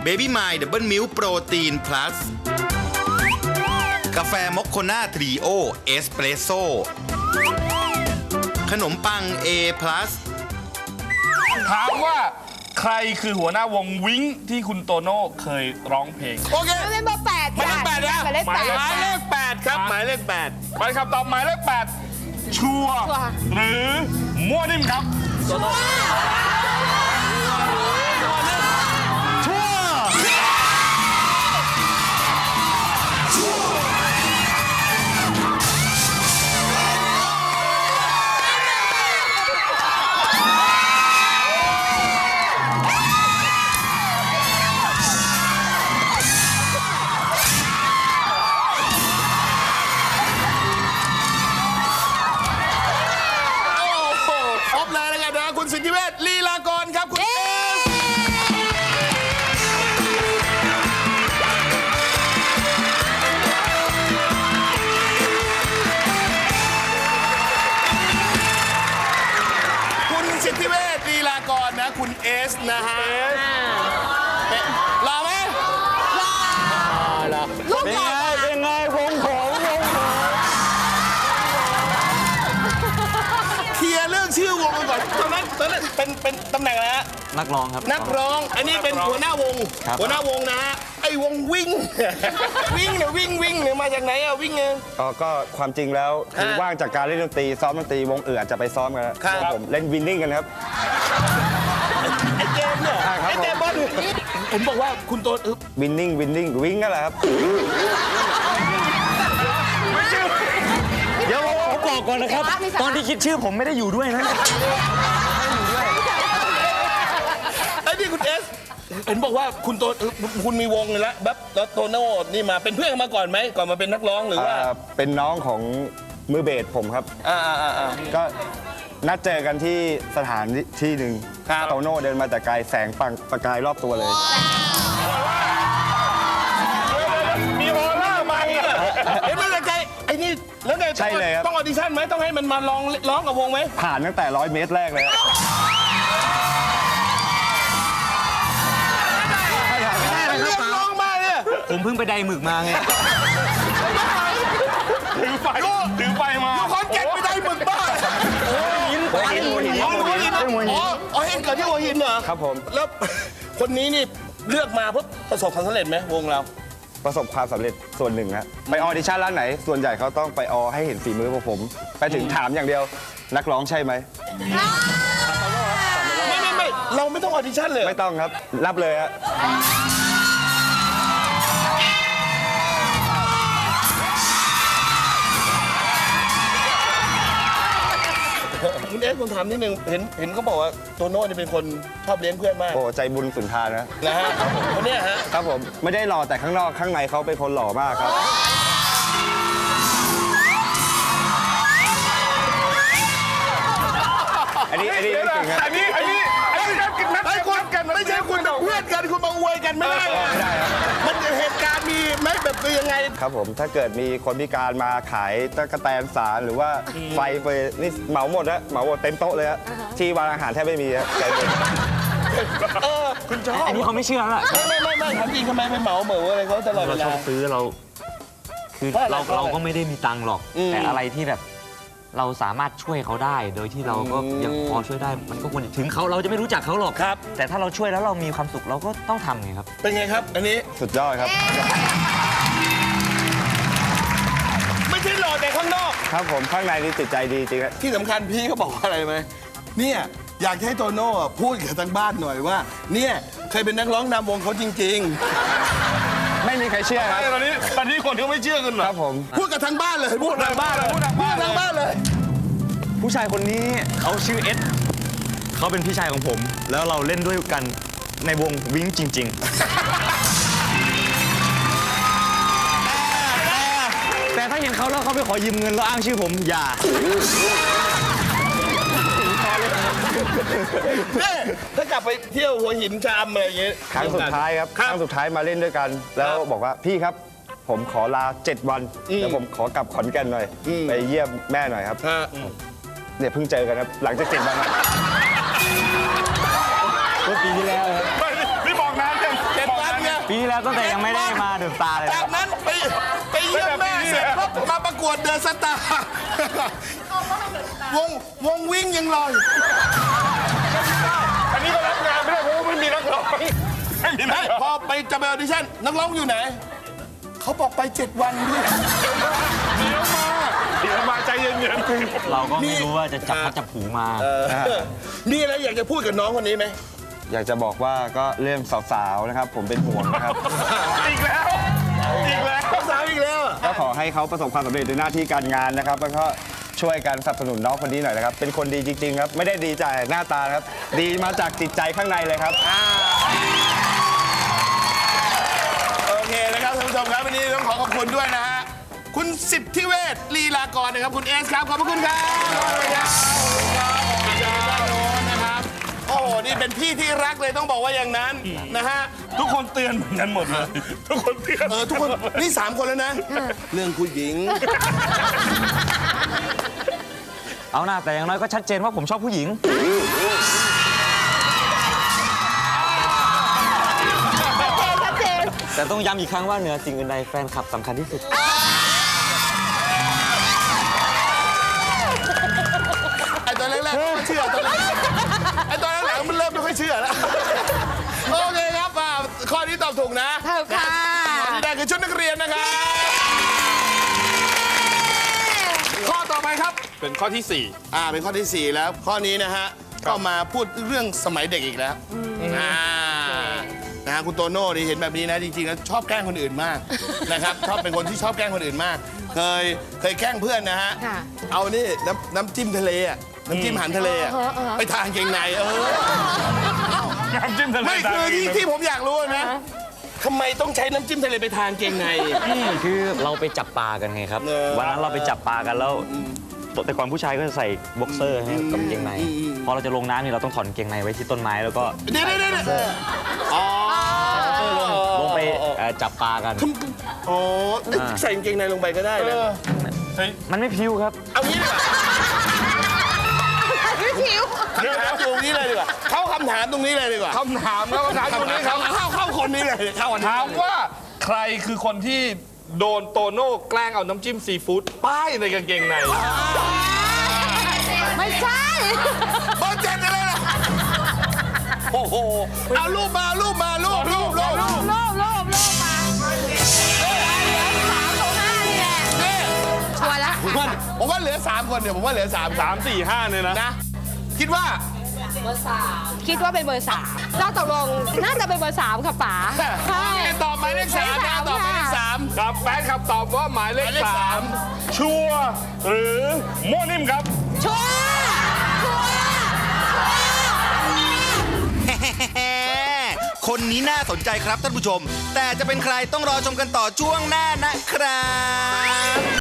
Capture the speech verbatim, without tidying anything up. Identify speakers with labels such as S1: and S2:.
S1: Baby My Double Milk โปรตีน plus กาแฟมอคโคน่าทรีโอเอสเปรสโซ่ขนมปัง A plus
S2: ถามว่าใครคือหัวหน้าวงวิ้งที่คุณโตโน่เคยร้องเพลงโอเค
S3: ไม่เป็นเบอร์แปด
S2: หมายเลขแปดนะ
S3: หมายเลขแปด
S2: หมายเลขแปดครับหมายเลขแปดไปคำตอบหมายเลขแปดชัวร์หรือมั่วนิ่มครับชัวร์คุณสิทธิเวชลีลากรครับคุณเอสคุณสิทธิเวชลีลากรนะคุณเอสนะฮะรอไหมรอรอเป็นไงเป็นไงวงผมวงผมเคลียร์เรื่องชื่อวงกันก่อนตอนนั้นตอนนั้นเป็นเป็นตำแหน่งอะไรฮะ
S4: นักร้องครับ
S2: นักร้องอันนี้เป็นหัวหน้าวงหัวหน้าวงนะฮะไอ้วงวิ่งวิ่งเนี่ยวิ่งวิ่งเนี่ยมาจากไหนอะวิ่งเอง
S5: อ๋อก็ความจริงแล้วคือว่างจากการเล่นดนตรีซ้อมดนตรีวงอื่นอาจจะไปซ้อมกันครับผมเล่นวินนิ่งกันครับ
S2: ไอ้เจมเนี่ยไอ้เจมบอลผมบอกว่าคุณโต
S5: วินนิ่งวินนิ่งวิ่งนั่นแหละครับ
S4: เดี๋ยวผมบอกก่อนนะครับตอนที่คิดชื่อผมไม่ได้อยู่ด้วยนะ
S2: ไอ้นี่คุณเอสเห็นบอกว่าคุณโตคุณมีวงเลยแล้วแบบแล้วโตโน่นี่มาเป็นเพื่อนมาก่อนไหมก่อนมาเป็นนักร้องหรือว่า
S5: เป็นน้องของมือเบสผมครับ
S2: อ่าอ่าอ่า
S5: ก็นัดเจอกันที่สถานที่หนึ่งโตโน่เดินมาแต่ไกลแสงปังประกายรอบตัวเลย
S2: มีออร่ามาเห็นไหมใจไอ้นี่แล้วไง
S5: ใช่เลยครับ
S2: ต้องออดิชั่นไหมต้องให้มันมาลองร้องกับวงไหม
S5: ผ่านตั้งแต่ร้อยเมตรแรกเลย
S4: ผมเพิ่งไปไดหมึกมาไง
S2: ถือไฟถือไฟมาคอนแก่นไปไดหมึกบ้า
S5: หัวหินหัวหินหัวหิน
S2: หัวหินอ๋ออ๋อเห็นเกิดที่หัวหินเหรอ
S5: ครับผม
S2: แล้วคนนี้นี่เลือกมาเพื่อประสบความสำเร็จไหมวงเรา
S5: ประสบความสำเร็จส่วนหนึ่งฮะไปออดิชั่นร้านไหนส่วนใหญ่เขาต้องไปออให้เห็นฝีมือพวกผมไปถึงถามอย่างเดียวนักร้องใช่ไหม
S2: ไม่ไม่ไม่เราไม่ต้องออดิชั่นเลย
S5: ไม่ต้องครับรับเลยฮะ
S2: คุณเอสผมถามนิดนึงเห็นเห็นเขาบอกว่าโตโน่นี่เป็นคนชอบเลี้ยงเพื่อนมาก
S5: โอ้ใจบุญสุนทานนะ
S2: นะฮะคนนี้ฮะ
S5: ครับผมไม่ได้หล่อแต่ข้างนอกข้างในเขาเป็นคนหล่อมากครับอันนี้อันนี้ไม่จริงครับ
S2: อันนี้อันนี้อันนี้นัดกันกันไม่ใช่คุณเพื่อนกันคุณมาอวยกันไม่ได้
S5: ไม่ได้
S2: มันเหตุการณ์มีไหมแบบคือยังไง
S5: ครับผมถ้าเกิดมีคนพิการมาขายตะกแตนสารหรือว่าไฟไปนี่เหมาหมดฮะเหมาหมดเต็มโต๊ะเลยฮะที่วางอาหารแทบไม่มีฮะ
S2: เออคุณชอบ
S4: อันนี้เขาไม่เชื่อแล้ว
S2: ไม่ไม่ไม่ทำจริงทำไมไปเหมาเหมืออะไรเขาตลอดเวลา
S4: เราชอบซื้อเราคือเราเราก็ไม่ได้มีตังค์หรอกแต่อะไรที่แบบเราสามารถช่วยเขาได้โดยที่เราก็ยังพอช่วยได้มันก็ควรถึงเขาเราจะไม่รู้จักเขาหรอก
S2: ครับ
S4: แต่ถ้าเราช่วยแล้วเรามีความสุขเราก็ต้องทำไงครับ
S2: เป็นไงครับอันนี้
S5: สุดยอดครับ
S2: ไม่ใช่หล่อแต่ข้างนอก
S5: ครับผมข้างในนี่จิตใจดีจริงๆ
S2: ที่สำคัญพี่เขาบอกว่าอะไรไหมเนี่ยอยากให้โตโน่พูดกับทางบ้านหน่อยว่าเนี่ยเคยเป็นนักร้องนำวงเขาจริงๆ
S5: ไม่มีใครเชื่อครับ
S2: ตอนนี้ตอนนี้คนเขาไม่เชื่อกันหรอ
S5: ครับผม
S2: พูดกับทางบ้านเลยพูดทางบ้านเลยพูดทางบ้านเลย
S4: ผู้ชายคนนี้เขาชื่อเอสเขาเป็นพี่ชายของผมแล้วเราเล่นด้วยกันในวงวิ้งจริงๆแต่ถ้าเห็นเขาแล้วเขาไปขอยืมเงินแล้วอ้างชื่อผมอย่า
S2: ถ้ากลับไปเที่ยวหัวหินชามอะไรอย่างเงี้ย
S5: ครั้งสุดท้ายครับครั้งสุดท้ายมาเล่นด้วยกันแล้วบอกว่าพี่ครับผมขอลาเจ็ดวันแล้วผมขอกลับขอนแก่นหน่อยไปเยี่ยมแม่หน่อยครับเนี่ยเพิ่งเจอกันครับหลังจากเจ็ดวัน
S4: เมื่อปีที่แล้วครับ
S2: ไม่บอกนานจังเจ็ดวัน
S4: แล้วตั้งแต่ยังไม่ได้มาเดอะสตาร์เลย
S2: จากนั้นไปไปเยี่ยมแม่เสร็จปุ๊บมาประกวดเดอะสตาร์วงวงวิ่งยังลอย
S5: อันนี้ก็รับงานไม่ได้เพราะว่าไม่มีนักร้องไม่มีนักร้อง
S2: พอไปจะไปออดิชั่นนักร้องอยู่ไหน เขาบอกไปเจ็ดวันพี่
S5: เดี๋ยวมาเดี๋ยวมาใจเย็น
S4: เราก็ไม่รู้ว่าจะจับพัดจับผูมา
S2: มีอะไรอยากจะพูดกับน้องคนนี้ไหม
S5: อยากจะบอกว่าก็เรื่องสาวๆนะครับ ผมเป็นห่วงนะครับ อีกแล้วอีกแล้ว
S2: สาวอีกแล้ว
S5: ก็ขอให้เขาประสบความสำเร็จในหน้าที่การงานนะครับ แล้วก็ช่วยกันสนับสนุนน้องคนนี้หน่อยนะครับ เป็นคนดีจริงๆครับ ไม่ได้ดีจากหน้าตาครับ ดีมาจากจิตใจข้างในเลยครับ
S2: โอเคนะครับท่านผู้ชมครับวันนี้ต้องขอขอบคุณด้วยนะฮะคุณสิทธิเวชลีลากรนะครับคุณเอสครับขอบพระคุณครับขอบคุณครับขอบคุณครับด้านโน้นนะครับโอ้โหนี่เป็นพี่ที่รักเลยต้องบอกว่าอย่างนั้นนะฮะ
S5: ทุกคนเตือนเหมือนกันหมดเลย ทุกคนเตือน
S2: เออทุกคนนี่สามคนแล้วนะ เรื่องผู้หญิง
S4: เอาหน้าแต่อย่างน้อยก็ชัดเจนว่าผมชอบผู้หญิง
S3: ชัดเจน
S4: แต่ต้องย้ำอีกครั้งว่าเหนือสิ่งอื่นใดแฟนคลับสำคัญที่สุด
S2: ไอ้ตอนแรกๆไม่เชื่อตอนแรกไอ้ตอนหลังๆมันเริ่มไม่ค่อยเชื่อแล้วโอเคครับอ่าข้อนี้ตอบถูกนะ
S3: ถูกค่ะ
S2: ข้อที่ได้คือชุดนักเรียนนะครับข้อต่อไปครับ
S6: เป็นข้อที่สี่
S2: อ่าเป็นข้อที่สี่แล้ว ข้อนี้นะฮะก็มาพูดเรื่องสมัยเด็กอีกแล้วอ่านะฮะคุณโตโน่นี่เห็นแบบนี้นะจริงๆแล้วชอบแกล้งคนอื่นมากนะครับชอบเป็นคนที่ชอบแกล้งคนอื่นมาก เคยเคยแกล้งเพื่อนนะฮะ
S3: ค่ะ
S2: เอานี่น้ำน้ำจิ้มทะเลอะน้ำจิ้มอาหารทะเลอะ
S3: เออเออเออ
S2: ไปทานเกงในเออ
S5: น้ำจิ้มทะเล
S2: ไม่คือที่ที่ผมอยากรู้นะทำไมต้องใช้น้ำจิ้มทะเลไปทานเกงใน
S4: คือเราไปจับปลากันไงครับ
S2: เออ
S4: วันนั้นเราไปจับปลากันแล้วแต่ก่อนผู้ชายก็จะใส่บ็อกเซอร์ให้กับกางเกงใน พอเราจะลงน้ำนี่เราต้องถอนกางเกงในไว้ที่ต้นไม้แล้วก็
S2: เดี๋ยวเดี๋ยวเดี๋ยวอ๋อ
S4: ลงไปเอ่อจับปลากัน
S2: โอ้ใส่กางเกงในลงไปก็ได้นะ
S4: มันไม่พิ้วครับ
S2: เอางี้ดีกว่า
S3: พี่ผิว
S2: คำถามตรงนี้เลยดีกว่าเข้าคำถามตรงนี้เลยดีกว่า
S6: คำถามแล้วคำถามตรงนี้ครับ
S2: เข้าเข้าคนนี้เลยเข้าคนนี้
S6: ถามว่าใครคือคนที่โดนโตโน่แกล้งเอาน้ำจิ้มซีฟู้ดป้ายในกางเกงใน
S3: ไม่ใช่
S2: เบอร์เจ็ดอะไรล่ะโอ้โหเอารูปมารูปมารูปรูปรูป
S3: โลบโลบโลบโลบมาเหลือสามตรงหน้านี่แหละ
S2: นี่
S3: ชัวร์ละ
S2: ผมว่าผมว่าเหลือสามคนเดี๋ยวผมว่าเหลือสาม
S6: สามสี่ห้าเนี่ยนะ
S2: นะ คิดว่า
S3: คิดว่าเป็นเบอร์สามเราตกลงน่าจะเป็นเบอร์สามค่ะป๋าใช่
S2: ตอบหมายเลขสามนะตอบหมายเลขสาม
S6: ครับแฟนคลับตอบว่าหมายเลข
S2: หมายเลข
S6: สา
S2: สาม
S6: มชัวร์หรือโมวนิ่มครับ
S3: ชัวร์ชัวร์
S1: คนนี้น่าสนใจครับท่านผู้ชม แต่จะเป็นใครต้องรอชมกันต่อช่วงหน้านะครับ